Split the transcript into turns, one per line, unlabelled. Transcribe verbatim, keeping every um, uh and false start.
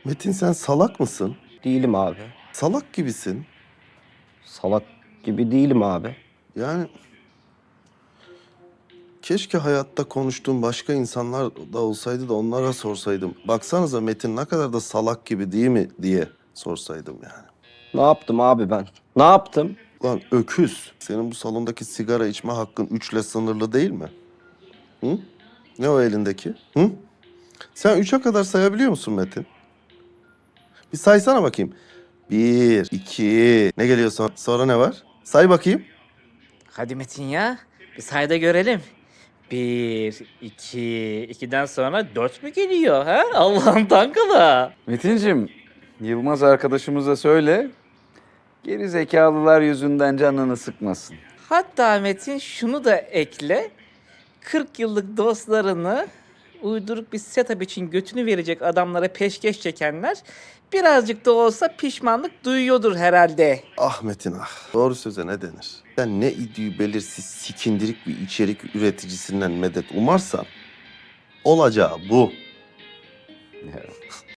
Metin sen salak mısın?
Değilim abi.
Salak gibisin.
Salak gibi değilim abi.
Yani keşke hayatta konuştuğum başka insanlar da olsaydı da onlara sorsaydım. Baksanıza Metin ne kadar da salak gibi değil mi diye sorsaydım yani.
Ne yaptım abi ben? Ne yaptım?
Lan öküz, senin bu salondaki sigara içme hakkın üçle sınırlı değil mi? Hı? Ne o elindeki? Hı? Sen üçe kadar sayabiliyor musun Metin? Bir saysana bakayım. Bir, iki, ne geliyor sonra? Sonra ne var? Say bakayım.
Hadi Metin ya. Bir sayda görelim. Bir, iki, ikiden sonra dört mü geliyor ha? Allah'ın tankala.
Metincim, Yılmaz arkadaşımıza söyle, geri zekalılar yüzünden canını sıkmasın.
Hatta Metin şunu da ekle. kırk yıllık dostlarını uyduruk bir setup için götünü verecek adamlara peşkeş çekenler birazcık da olsa pişmanlık duyuyordur herhalde.
Ah Metin ah. Doğru söze ne denir? Sen ne idüğü belirsiz sikindirik bir içerik üreticisinden medet umarsan olacağı bu.
Ya,